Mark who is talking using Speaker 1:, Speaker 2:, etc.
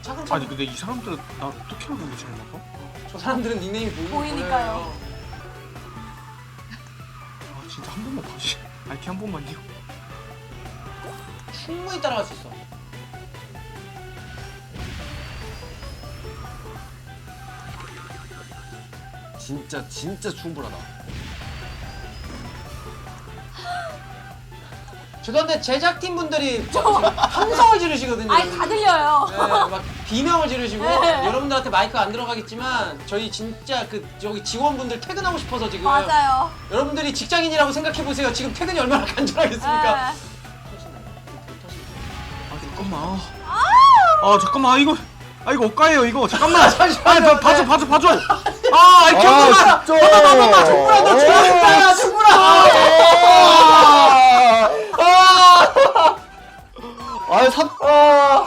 Speaker 1: 차근차근.
Speaker 2: 아니 근데 이 사람들은 나 어떻게 알고 있지 않나?
Speaker 1: 저 사람들은 닉네임이
Speaker 3: 보이니까요.
Speaker 2: 아 진짜 한 번만 봐주시. 아이키 한 번만요.
Speaker 1: 충분히 따라갈 수 있어.
Speaker 4: 진짜 충분하다.
Speaker 1: 죄송한데 제작팀 분들이 함성을 지르시거든요.
Speaker 3: 아니 다 들려요.
Speaker 1: 네, 막 비명을 지르시고
Speaker 3: 네.
Speaker 1: 여러분들한테 마이크가 안 들어가겠지만 저희 진짜 그 저기 직원분들 퇴근하고 싶어서 지금
Speaker 3: 맞아요.
Speaker 1: 여러분들이 직장인이라고 생각해 보세요. 지금 퇴근이 얼마나 간절하겠습니까?
Speaker 3: 네.
Speaker 2: 아 잠깐만. 아 잠깐만 이거. 아 이거 억가예요 이거. 잠깐만.
Speaker 1: 잠시만요.
Speaker 2: 아니 봐줘. 아 아이키 한 번만.
Speaker 4: 진짜.
Speaker 1: 충분하 너 죽었다 충분하.
Speaker 4: 아,